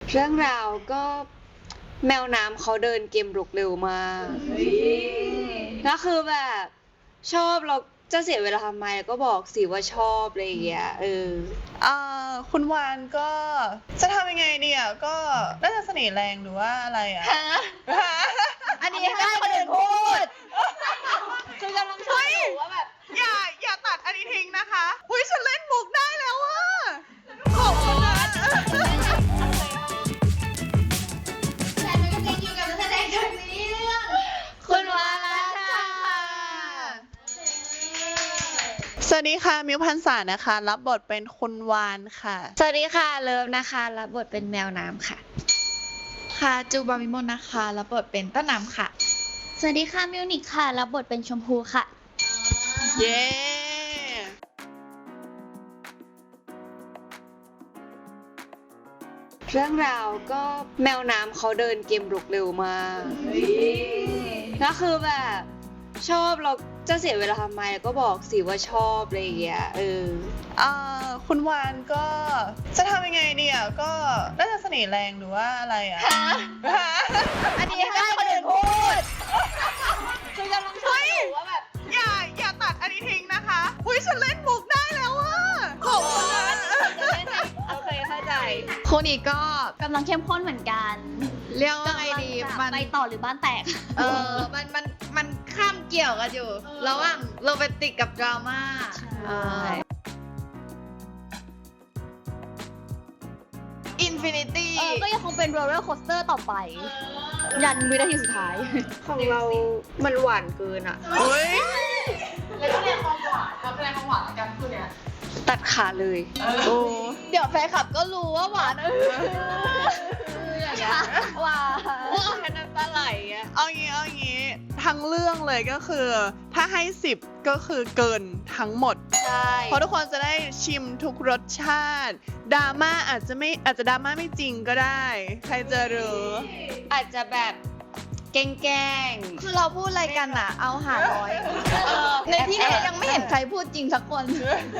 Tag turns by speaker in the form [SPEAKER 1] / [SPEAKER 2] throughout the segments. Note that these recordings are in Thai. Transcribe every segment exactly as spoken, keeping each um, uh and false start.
[SPEAKER 1] เรื่องราวก็แมวน้ำเขาเดินเกมรุกเร็วมากก็คือแบบชอบเราจะเสียเวลาทำไมก็บอกสิว่าชอบอะไรอย่างเงี้ยเออ
[SPEAKER 2] อ่าคุณวานก็จะทำยังไงเนี่ยก็น่าจะเสน่ห์แรงหรือว่าอะไรอ่ะ
[SPEAKER 1] อันนี้ให้คนอื่นพูดคือกำลังชอบอยู่ว่าแบบ
[SPEAKER 2] อย่าอย่าตัดอันนี้ทิ้งนะคะหุ้ยฉันเล่นมุกได้แล้วอ่ะขอบคุณนะ
[SPEAKER 1] แต่ไม่เป็นอยู่กับนักแสดงคนนี้เรื่องคุณวานค่ะ
[SPEAKER 2] สวัสดีค่ะมิวพันษานะคะรับบทเป็นคุณวานค่ะ
[SPEAKER 1] สวัสดีค่ะเลิฟนะคะรับบทเป็นแมวน้ำค่ะ
[SPEAKER 3] ค่ะจูบามิมนนะคะรับบทเป็นต้นน้ำค่ะ
[SPEAKER 4] สวัสดีค่ะมิวนิกค่ะรับบทเป็นชมพูค่ะ
[SPEAKER 2] เย้
[SPEAKER 1] เรื่องราวก็แมวน้ำเขาเดินเกมรุกเร็วมากก็คือแบบชอบเราจะเสียเวลาทำไมก็บอกสิว่าชอบอะไรอย่างเงี้ยเออ
[SPEAKER 2] อ่าคุณวานก็จะทำยังไงเนี่ยก็น่าจะเสน่ห์แรงหรือว่าอะไรอ่ะ
[SPEAKER 1] อันนี้ให้คนอื่นพูดคือกำลังชอบอยู่ว่าแบบ
[SPEAKER 2] อย่าอย่าตัดอันนี้ทิ้งนะคะหุ้ยฉันเล่นมุกได้แล้วอ่ะขอบคุณนะ
[SPEAKER 1] โอเคเข้าใจ
[SPEAKER 3] คนนี้ก็
[SPEAKER 4] กำลังเข้มข้นเหมือนกัน
[SPEAKER 3] เรียกว่าไงดี
[SPEAKER 4] มันไปต่อหรือบ้านแตก
[SPEAKER 3] เออมันมันมันข้ามเกี่ยวกันอยู่ระหว่างโรแมนติกกับดราม่าอินฟินิตี้
[SPEAKER 4] ก็ยังคงเป็นโรลเลอร์โคสเตอร์ต่อไปยันวินาทีสุดท้าย
[SPEAKER 1] ของเรามันหวานเกินอ่ะ
[SPEAKER 2] เฮ้ย
[SPEAKER 3] แล้วคะแนนความหวานแล้วคะแนนความหวานกันคู่เนี้ย
[SPEAKER 1] ตัดขาเลย
[SPEAKER 3] โอ้เดี๋ยวแฟนคลับก็รู้ว่าหวานเอออย่างเงี้ย
[SPEAKER 1] หวานแค่น้ำตาไหลอ่ะ
[SPEAKER 2] เอางี้เอางี้ทั้งเรื่องเลยก็คือถ้าให้สิบก็คือเกินทั้งหมด
[SPEAKER 1] ใช่
[SPEAKER 2] เพราะทุกคนจะได้ชิมทุกรสชาติดราม่าอาจจะไม่อาจจะดราม่าไม่จริงก็ได้ใครจะรู้
[SPEAKER 1] อาจจะแบบแกล้ง
[SPEAKER 3] คือเราพูดอะไรกันอ่ะเอาหาร้อยในที่นี้ยังไม่เห็นใครพูดจริงสักคน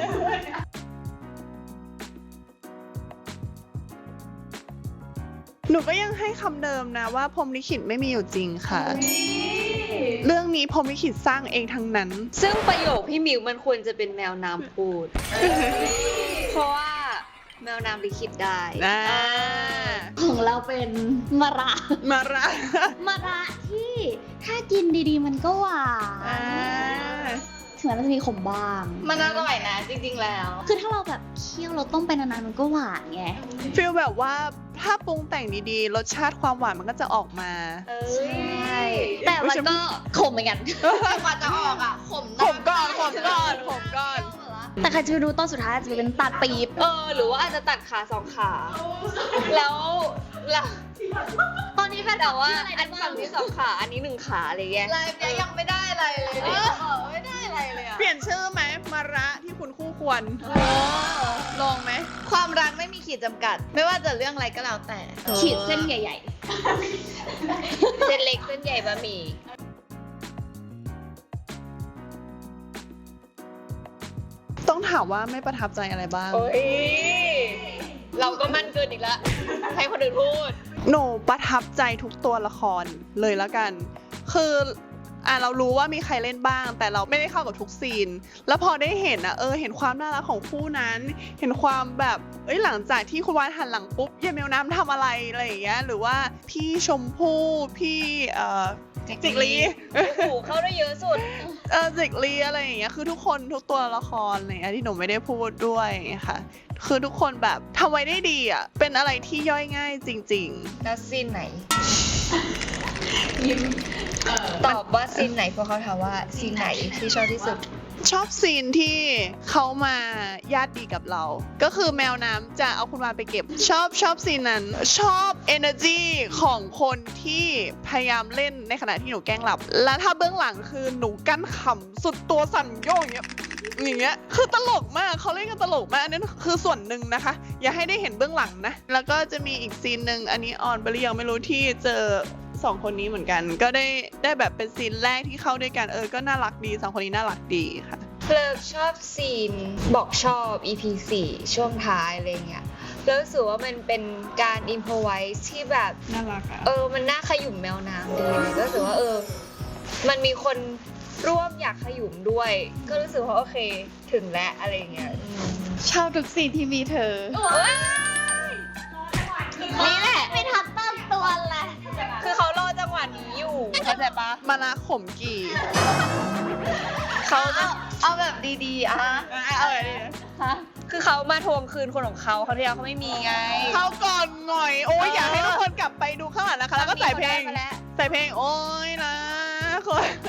[SPEAKER 2] หนูก็ยังให้คำเดิมนะว่าพรหมลิขิตไม่มีอยู่จริงค่ะเรื่องนี้พรหมลิขิตสร้างเองทั้งนั้น
[SPEAKER 1] ซึ่งประโยคพี่มิวมันควรจะเป็นแมวน้ำพูดเพราะว่าแมวน้ำลิขิตได้
[SPEAKER 4] ของเราเป็นมะระ
[SPEAKER 2] มะระ
[SPEAKER 4] มะระที่ถ้ากินดีๆมันก็หวานถึงแม้มันจะมีขมบ้าง
[SPEAKER 3] มันอร่อยนะจริงๆแล้ว
[SPEAKER 4] คือถ้าเราแบบเคี่ยวเราต้มไปนานๆมันก็หวานไง
[SPEAKER 2] ฟีลแบบว่าถ้าปรุงแต่งดีๆรสชาติความหวานมันก็จะออกมา
[SPEAKER 4] ใช่แต่มันก็ขมเหมือนกัน
[SPEAKER 3] กว่าจะออกอ่ะขม
[SPEAKER 2] ขมก่อนขมก่อนขมก่อน
[SPEAKER 4] แต่ใครจะไปรู้ตอนสุดท้ายจะเป็นตัดปี๊บ
[SPEAKER 1] เออหรือว่าอาจจะตัดขาสองขาแล้วแล้ว
[SPEAKER 4] ตอนนี้แฟน
[SPEAKER 1] แต่ว่าอันฝั่งนี้สองขาอันนี้หนึ่งขาอะไรเงี้ย
[SPEAKER 3] ไลฟ์นี้ยังไม่ได้อะไรเลยไม่ได้อะไรเลยอ่ะ
[SPEAKER 2] เปลี่ยนชื่อไหมมาระที่คุณคู่ควรลองไหม
[SPEAKER 3] ความรักไม่มีขีดจำกัดไม่ว่าจะเรื่องอะไรก็แล้วแต่
[SPEAKER 4] ขีดเส้นใหญ่
[SPEAKER 1] ๆเส้นเล็กเส้นใหญ่บะหมี่
[SPEAKER 2] ต้องถามว่าไม่ประทับใจอะไรบ้าง
[SPEAKER 1] โอ้ยเราก็มั่นเกินอีกแล้วให้คนอื่นพูด
[SPEAKER 2] หนูประทับใจทุกตัวละครเลยแล้วกันคืออ่ะเรารู้ว่ามีใครเล่นบ้างแต่เราไม่ได้เข้ากับทุกซีนแล้วพอได้เห็นอ่ะเออเห็นความน่ารักของคู่นั้นเห็นความแบบเอ้ยหลังจากที่คุณวานหันหลังปุ๊บยายแมวน้ำทำอะไรอะไรอย่างเงี้ยหรือว่าพี่ชมพู่พี่เอ่อจิกลี
[SPEAKER 1] โอ้โหเข้าได้เยอะสุด
[SPEAKER 2] เออจิกลีอะไรอย่างเงี้ยคือทุกคนทุกตัวละครอะไรอย่างเงี้ยที่หนูไม่ได้พูดด้วยค่ะคือทุกคนแบบทำไว้ได้ดีอ่ะเป็นอะไรที่ย่อยง่ายจริง
[SPEAKER 1] ๆแล้วซีนไหนยิ้มตอบว่าซีนไหนเพราะเขาถามว่าซีนไหนที่ชอบที่สุด
[SPEAKER 2] ชอบซีนที่เขามาญาติดีกับเราก็คือแมวน้ำจะเอาคุณวานไปเก็บชอบชอบซีนนั้นชอบ energy ของคนที่พยายามเล่นในขณะที่หนูแกล้งหลับแล้วถ้าเบื้องหลังคือหนูกั้นขำสุดตัวสั่นโยกอย่างเงี้ยอย่างเงี้ยคือตลกมากเขาเล่นกันตลกมากอันนั้นคือส่วนหนึ่งนะคะอย่าให้ได้เห็นเบื้องหลังนะแล้วก็จะมีอีกซีนหนึ่งอันนี้ออนไปหรือยังไม่รู้ที่เจอสองคนนี้เหมือนกันก็ได้ได้แบบเป็นซีนแรกที่เข้าด้วยกันเออก็น่ารักดีสองคนนี้น่ารักดีค่ะ
[SPEAKER 1] เลิกชอบซีนบอกชอบ อี พี สี่ช่วงท้ายอะไรเงี้ยแล้วรู้สึกว่ามันเป็นการอินโฟไวส์ที่แบบ
[SPEAKER 2] น่ารักอะ
[SPEAKER 1] เออมันน่าขยุ่มแมวน้ำดีก็รู้สึกว่าเออมันมีคนร่วมอยากขยุ่มด้วย ก็รู้สึกว่าโอเคถึงแล้วอะไรอย่างเงี้ยอืม
[SPEAKER 3] ชอบทุกซีนที่มีเธอ
[SPEAKER 1] นี่แหละ
[SPEAKER 4] ไม่ทันตั้งตัวเลย
[SPEAKER 1] คือเขารอจังหวะนี้อยู่เข้าใจปะ
[SPEAKER 2] มานะขมกี่
[SPEAKER 1] เขาจะ
[SPEAKER 3] เอาแบบดีๆ อ่ะ
[SPEAKER 2] เอาอะไรดี
[SPEAKER 3] ฮะ
[SPEAKER 1] คือเขามาทวงคืนคนของเขาเขาที่แล้วเขาไม่มีไง
[SPEAKER 2] เข้าก่อนหน่อย โอ้ยอยากให้ทุกคนกลับไปดูข้างหลังนะคะ แล้วก็ใส่เพลง
[SPEAKER 1] มาแล้ว
[SPEAKER 2] ใส่เพลงโอ้ยนะคน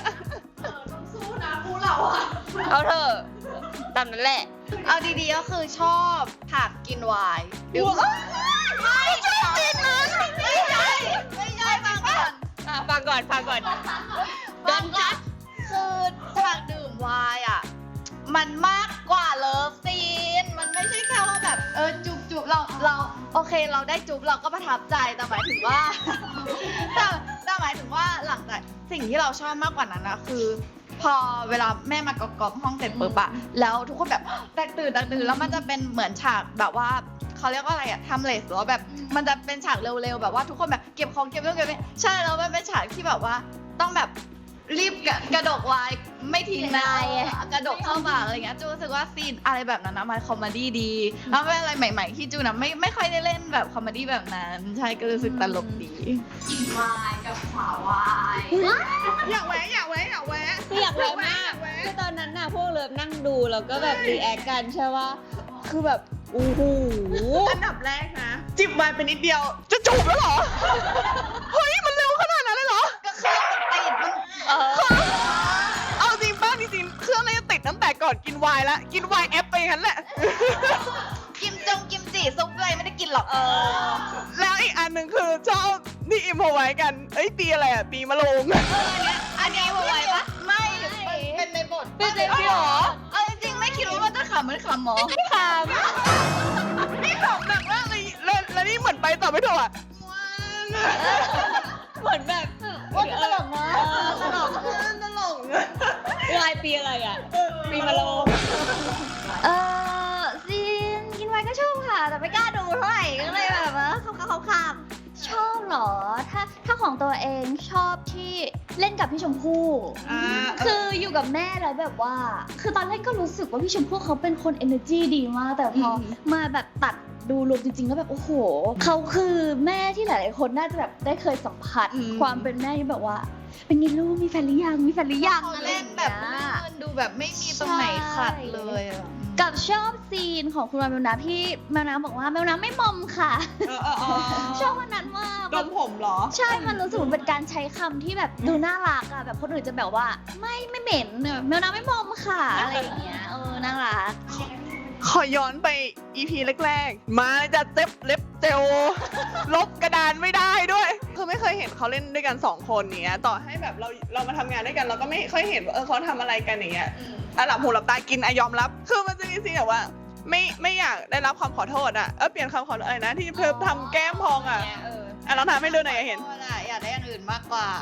[SPEAKER 1] เอาเถอะตามนั้นแหละ
[SPEAKER 3] เอาดีๆก็คือชอบฉากกินไวน์ดูไม่ชอบซีนนั้นไม่ใช่ไม่ใช่ฟังก่อน
[SPEAKER 1] อ่ะฟังก่อนฟังก่อน
[SPEAKER 3] โดนจัดคือฉากดื่มไวน์อ่ะ มันมากกว่าเลิฟซีน มันไม่ใช่แค่ว่าแบบเออจุบจุบเราเราโอเคเราได้จุบเราก็ประทับใจแต่หมายถึงว่า แต่แต่หมายถึงว่าหลังจากสิ่งที่เราชอบมากกว่านั้นนะคือ พอเวลาแม่มากอกๆห้องเสร็จปุ๊บอะแล้วทุกคนแบบแตกตื่นแตกตื่นแล้วมันจะเป็นเหมือนฉากแบบว่าเขาเรียกว่าอะไรอะทำเลสหรือว่าแบบมันจะเป็นฉากเร็วๆแบบว่าทุกคนแบบเก็บของเก็บเรื่องเก็บนี่ใช่แล้วมันเป็นฉากที่แบบว่าต้องแบบรีบกระกระดกไว้ไม่ทิ้งนายกระดกเข้าปากอะไรเงี้ยจูรู้สึกว่าซีนอะไรแบบนั้นนะมันคอมเมดี้ดีแล้วเป็นอะไรใหม่ ๆ ที่จูนะไม่ไม่ค่อยได้เล่นแบบคอมเมดี้แบบนั้นใช่ก็รู้สึกตลกดี
[SPEAKER 4] วายกับขาวาย
[SPEAKER 2] อยากแวะอยากแวะอยากแวะ
[SPEAKER 1] คืออยากแวะมาก
[SPEAKER 2] แวะ
[SPEAKER 1] คือตอนนั้นน่ะพวกเลิฟนั่งดูแล้วก็แบบรีแอคกันใช่ป่ะคือแบบโอ้โห
[SPEAKER 2] อันดับแรกนะ จิบไวน์ไปนิดเดียว จะจูบแล้วเหรอ เฮ้ย มันเร็วขนาดนั้นเลยเหรอ
[SPEAKER 3] ก็เครื่องมันติดมัน
[SPEAKER 1] เออ
[SPEAKER 2] เอาจริงป้าจริงๆเครื่องน่าจะติดตั้งแต่ก่อนกินไวน์ละกินไวน์แอปไปงั้นแหละ
[SPEAKER 3] กิมจงกิมจิซุปอะไรไม่ได้กินหรอก
[SPEAKER 1] เออ
[SPEAKER 2] แล้วอีกอันหนึ่งคือชอบที่อิมพอไว้กัน เอ้ยปีอะไรอ่ะ ปีมะโรง
[SPEAKER 3] อันนี้ไวปะไม่เป็นในบท
[SPEAKER 1] เป็นในบทเหรอ
[SPEAKER 3] เอาจริงๆไม่คิดว่ามันจะขำเหมือนขำหมอ
[SPEAKER 1] ถาม
[SPEAKER 2] นี่ขำหนักมากเลยแล้วแล้วนี่เหมือนไปต่อไม่ถูกอ่ะ
[SPEAKER 1] เหมือนแบบ
[SPEAKER 4] ว่าจะตลกนะ
[SPEAKER 1] ตลก
[SPEAKER 2] ตลก
[SPEAKER 1] ลายปีอะไรอ่ะ ปีมะโรง
[SPEAKER 4] เออซีนกินไวน์ก็ชอบค่ะ แต่ไม่กล้าดูเท่าไหร่ก็เลยแบบว่าเขาเขาเขาชอบเหรอ ถ้าถ้าของตัวเองชอบที่เล่นกับพี่ชมพู่
[SPEAKER 2] อ่า
[SPEAKER 4] คืออยู่กับแม่แล้วแบบว่า คือตอนแรกก็รู้สึกว่าพี่ชมพู่เขาเป็นคน energy ดีมาก แต่พอมาแบบตัดดูรวมจริงๆแล้วแบบโอ้โห เขาคือแม่ที่หลายๆคนน่าจะแบบได้เคยสัมผัส
[SPEAKER 3] อืม
[SPEAKER 4] ความเป็นแม่ที่แบบว่า เป็นไงลูกมีแฟนหรือยัง มีแฟนหรือยัง
[SPEAKER 3] เขา
[SPEAKER 4] อะไร
[SPEAKER 3] เล่
[SPEAKER 4] อน ย่าง
[SPEAKER 3] แบบ
[SPEAKER 4] เงี้ย
[SPEAKER 3] ลื่นดูแบบไม่มีตรงไหนขัดเลยอะ
[SPEAKER 4] กับชอบซีนของคุณแมวน้ำที่แมวน้ำบอกว่าแมวน้ำไม่มอมค่ะ
[SPEAKER 2] เออเออเออ
[SPEAKER 4] ชอบวันนั้นมาก
[SPEAKER 2] ดมผมเหรอ
[SPEAKER 4] ใช่ มันรู้สึกเหมือนเป็นการใช้คำที่แบบดูน่ารักอะแบบคนอื่นจะแบบว่า ไม่ไม่เหม็นแมวน้ำไม่มอมค่ะอะไรอย่างเงี้ยเออน่ารัก
[SPEAKER 2] ขอย้อนไป อี พี แรกๆ มาจะเจ็บเล็บเจล ลบกระดานไม่ได้ด้วย คือไม่เคยเห็นเขาเล่นด้วยกันสองคนเนี้ย ต่อให้แบบเราเรามาทำงานด้วยกันเราก็ไม่ค่อยเห็นว่าเออเขาทำอะไรกันอย่างเงี้ยอ่ะหลับหูหลับตากินอะยอมรับ คือมันจะมีซีนแบบว่า ไม่ไม่อยากได้รับความขอโทษอะเออเปลี่ยนคำขอโทษอะไรนะที่เพิ่มทำแก้มพองอะ
[SPEAKER 1] เออ
[SPEAKER 2] อ่ะลองทำให้ดูหน่อยอยากเห็น
[SPEAKER 3] โทษอะอยากได้อย่างอื่นมากกว่า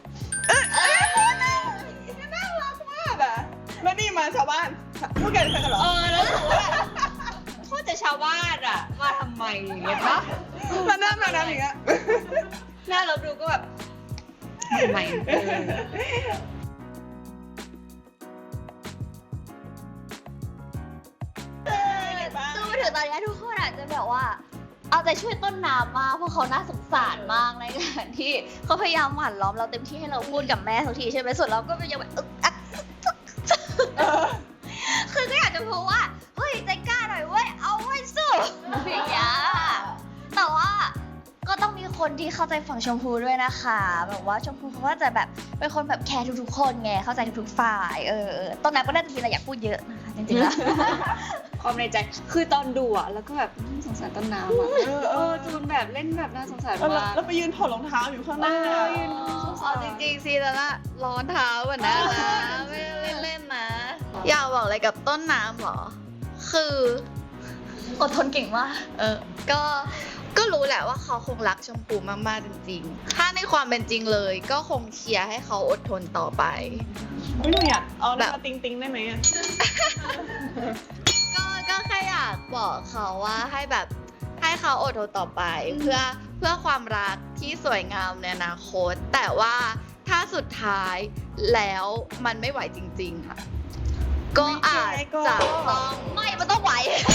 [SPEAKER 2] น่ารักมากอะแล้วนี่มาชาวบ้านพูดกันใช่กันเหรอ
[SPEAKER 1] เออแล้วรู้สึกว่าแบบโทษแต่ชาวบ้านอ่ะมาทำไมอย่างเงี้ยปะ
[SPEAKER 2] แล้วหน้ามาน้ำอย่างเงี้ย
[SPEAKER 1] หน้าเราดูก็แบบทำไมเออ
[SPEAKER 4] คือมาถึงตอนนี้ทุกคนอาจจะแบบว่า เอาใจช่วยต้นน้ำมากเพราะเขาน่าสงสารมากในการที่เขาพยายามหว่านล้อมเราเต็มที่ให้เราพูดกับแม่ทุกทีใช่ไหมส่วนเราก็ยังแบบอึกอักคือก็อยากจะพูดว่าเฮ้ยใจกล้าหน่อยเว้ยเอาไว้สู้อย่างเงี้ยแต่ว่าก็ต้องมีคนที่เข้าใจฝั่งชมพูด้วยนะคะแบบว่าชมพูเขาก็จะแบบเป็นคนแบบแคร์ทุกๆคนไงเข้าใจทุกๆฝ่ายเออเออต้นน้ำก็น่าจะมีอะไรอยากพูดเยอะนะคะจริงๆแล้ว
[SPEAKER 1] ความในใจคือตอนดูอ่ะแล้วก็แบบสงสารต้นน้ำอ่ะเออจูนแบบเล่นแบบน่าสงสาร
[SPEAKER 2] แล้ว
[SPEAKER 1] มาก
[SPEAKER 2] แล้วไปยืนถอดรองเท้าอยู่ข้างหน้า
[SPEAKER 1] เออยืน
[SPEAKER 3] เอาจริงๆซีแล้วละร้อนเท้าก่อนนะไม่ได้เล่นๆนะ อยากบอกอะไรกับต้นน้ำเหรอ คือ
[SPEAKER 4] อดทนเก่งมาก
[SPEAKER 3] เออ ก็ ก็รู้แหละว่าเขาคงรักชมพูมากๆจริงๆ ถ้าในความเป็นจริงเลย ก็คงเชียร์ให้เขาอดทนต่อไป
[SPEAKER 2] ไม่หนูอยากเอาหน้า
[SPEAKER 3] แบบ
[SPEAKER 2] ติ๊งติ๊งๆได้ไหมอะ
[SPEAKER 3] ก็ ก็แค่อยากบอกเขาว่าให้แบบ ให้เขาอดทนต่อไปเพื่อเพื่อความรักที่สวยงามในอนาคต แต่ว่าถ้าสุดท้ายแล้วมันไม่ไหวจริง ๆ ค่ะ ก็อาจจะต้อง
[SPEAKER 4] ไม่ มันต้องไหว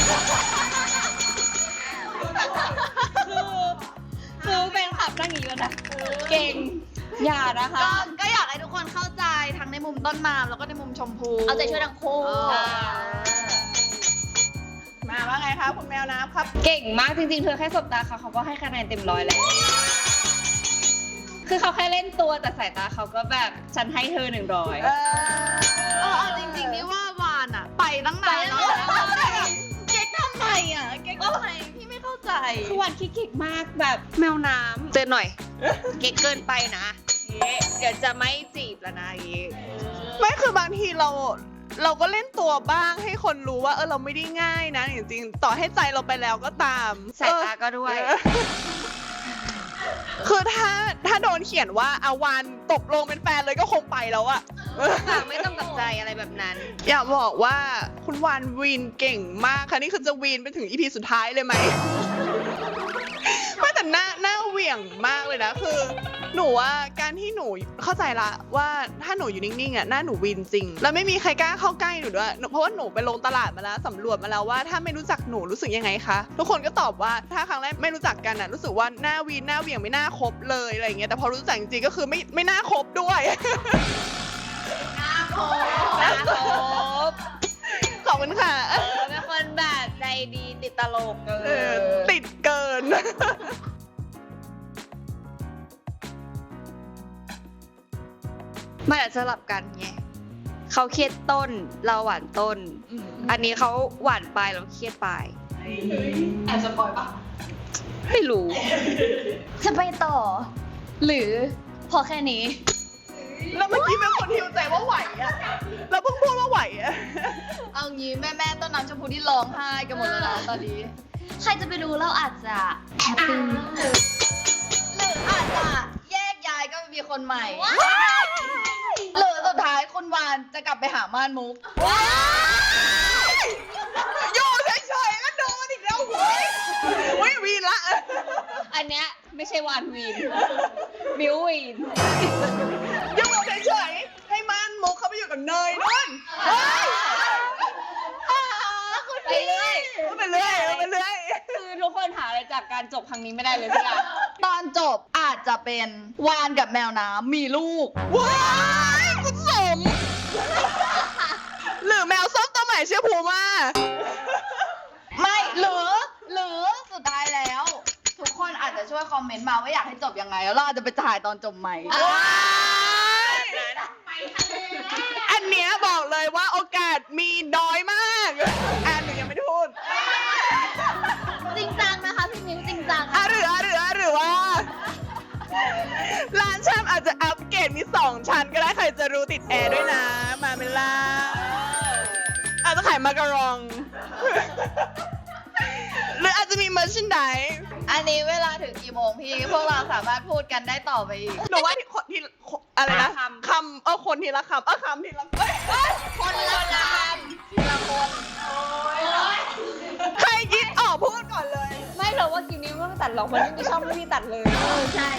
[SPEAKER 1] คือเป็นขับนั่งอย่างนี้นะ เก่ง อย่านะคะ
[SPEAKER 3] ก็ก็อยากให้ทุกคนเข้าใจทั้งในมุมต้นมามแล้วก็ในมุมชมพู
[SPEAKER 4] เอาใจช่วยทั้งคู่
[SPEAKER 2] มาว่าไงคะคุณแมวน้ำครับ
[SPEAKER 1] เก่งมากจริงๆ เธอแค่สบตาเขาเขาก็ให้คะแนนเต็มร้อยแล้ว คือเขาแค่เล่นตัวแต่สายตาเขาก็แบบฉันให้เธอหนึ่งร้อย
[SPEAKER 2] เอ
[SPEAKER 3] เอ
[SPEAKER 2] อ
[SPEAKER 3] อจริงๆนี่ว่าวานอะไปตั้งนานแล้วเก๊กทำไมอะเก๊กทำไมพี่ไม่เข้าใจ
[SPEAKER 1] คือวันขี้เก่งมากแบบแมวน้ำเตือนหน่อย เก่งเกินไปนะอย่างงี้เดี๋ยวจะไม่จีบแล้วนะอย่างงี้
[SPEAKER 2] ไม่คือบางทีเราเราก็เล่นตัวบ้างให้คนรู้ว่าเออเราไม่ได้ง่ายนะจริงๆต่อให้ใจเราไปแล้วก็ตาม
[SPEAKER 1] สายตาก็ด้วย
[SPEAKER 2] เออคือถ้าถ้าโดนเขียนว่าอาวานตกลงเป็นแฟนเลยก็คงไปแล้วอะ
[SPEAKER 1] ค่ะไม่ต้องตกใจอะไรแบบนั้น
[SPEAKER 2] อยากบอกว่าคุณวานวีนเก่งมากค่ะนี่คือจะวีนไปถึงอีพีสุดท้ายเลยไหม ไม่แต่หน้าหน้าเหวี่ยงมากเลยนะคือ หนูว่าการที่หนูเข้าใจละว่าถ้าหนูอยู่นิ่งๆอ่ะหน้าหนูวีนจริง แล้วไม่มีใครกล้าเข้าใกล้หนูด้วยเพราะว่าหนูไปลงตลาดมาแล้วสำรวจมาแล้วว่าถ้าไม่รู้จักหนูรู้สึกยังไงคะทุกคนก็ตอบว่าถ้าครั้งแรกไม่รู้จักกันอ่ะรู้สึกว่าหน้าวีนหน้าเหวี่ยงไม่น่าคบเลยอะไรอย่างเงี้ยแต่พอรู้จักจริงๆก็คือไม่ไม่น่าคบด้วย
[SPEAKER 1] น่าคบ
[SPEAKER 2] ขอบคุณค่ะ
[SPEAKER 1] เออเป็นคนแบบใจดีติดตลกเอ
[SPEAKER 2] เออ
[SPEAKER 1] อ
[SPEAKER 2] ติดเกิน
[SPEAKER 1] มันอาจจะสลับกันไงเขาเครียดต้นเราหวานต้น อันนี้เขาหวานปลายเราเครียดปลาย
[SPEAKER 3] แอบสปอยปะ
[SPEAKER 1] ไม่รู้
[SPEAKER 4] จะไปต่อ หรือพอแค่นี้
[SPEAKER 2] แล้วเมื่อกี้เป็นคนฮิวใจว่าไหวอะเราเพิ่งพูดว่าไหวอะ
[SPEAKER 3] เอางี้แม่แม่ๆต้นน้ำชมพูที่ร้องไห้กันหมดแล้วนะตอนนี้
[SPEAKER 4] ใครจะไปรู้เราอาจจะแฮปปี้
[SPEAKER 3] หรืออาจจะแยกย้ายก็มีคนใหม่ หรือสุดท้ายคุณวานจะกลับไปหาม่านมุก
[SPEAKER 2] อยู่เฉยๆก็โดนอีกแล้วเว้ยเว้ยวีนละ
[SPEAKER 1] อันเนี้ยไม่ใช่วานวีนบิววีน
[SPEAKER 2] อยู่เฉยๆให้มันมุกเขาไปอยู่กับเนยนู่นเฮ้ย
[SPEAKER 1] ไปเรื่อย
[SPEAKER 2] ไปเรื่อยไปเรื่อย
[SPEAKER 1] คือทุกคนหาอะไรจากการจบครั้งนี้ไม่ได้เลยสักอย่าง
[SPEAKER 3] ตอนจบอาจจะเป็นวานกับแมวน้ำมีลูก
[SPEAKER 2] ว้ายคุณสม หรือแมวส้มตัวใหม่ชื่อภูมา
[SPEAKER 3] ไม่หรือหรือสุดท้ายแล้ว ทุกคนอาจจะช่วยคอมเมนต์มาว่าอยากให้จบยังไง แล้วเราอาจจะไปถ่ายตอนจบใหม่
[SPEAKER 2] ว้ายอันเนี้ยบอกเลยว่าโอกาสมีน้อยมากอ่านหนูยังไม่ได้พูด
[SPEAKER 4] จริงจังนะคะพี่มิ้วจริงจัง
[SPEAKER 2] อ่ะหรืออ่ะหรืออ่ะหรือว่าร้านชำอาจจะอัปเกรดมีสองชั้นก็ได้ใครจะรู้ติดแอร์ด้วยนะ มาเมล่าอาจจะขายมาการอง หรืออาจจะมีเมอร์ชันได
[SPEAKER 3] อันนี้เวลาถึงกี่โมงพี่ พวกเราสามารถพูดกันได้ต่อไปอีก
[SPEAKER 2] หนูว่าที่คนที่อะไรนะคำเออคนทีละคำเออคำทีละเอ้ยเอ้ย
[SPEAKER 3] คนละคำทีละคน
[SPEAKER 2] ใครคิดออกพูดก่อนเลย
[SPEAKER 1] ไม่หรอกว่ากินนี้ไม่ต้องตัดหรอกมันไม่มีช่องไม่มีตัดเลย
[SPEAKER 4] เออใช่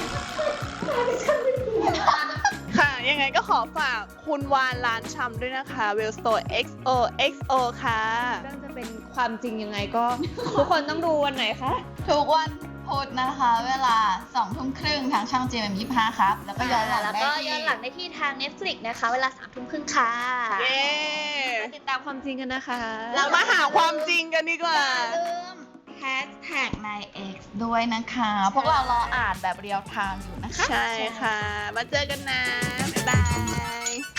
[SPEAKER 2] ค่ะ ยังไงก็ขอฝากคุณวานร้านชำด้วยนะคะ w e l l Store เอ็กซ์ โอ เอ็กซ์ โอ ค่ะ
[SPEAKER 1] เรื่องจะเป็นความจริงยังไงก็ ทุกคนต้องดูวันไหนคะ
[SPEAKER 3] ทุกวันพุธนะคะ เวลาสองทุ่มครึ่งทางช่อง จี เอ็ม ยี่สิบห้าครับ แล้วก็ย้อนหลัง
[SPEAKER 4] แล้ว
[SPEAKER 3] ได้
[SPEAKER 4] ก็
[SPEAKER 3] ที่
[SPEAKER 4] ย้อนหลังได้ที่ทาง Netflix นะคะ เวลาสามทุ่มครึ่งค่ะ
[SPEAKER 2] เย้
[SPEAKER 1] มาติดตามความจริงกันนะคะ
[SPEAKER 2] เรามาหาความจริงกันดีกว่า
[SPEAKER 3] อย่าลืมแฮชแท็กใน X ด้วยนะคะ พวกเรารออ่านแบบเรียลไทม์อยู่นะคะ
[SPEAKER 2] ใช่ค่ะ มาเจอกันนะ บ๊ายบาย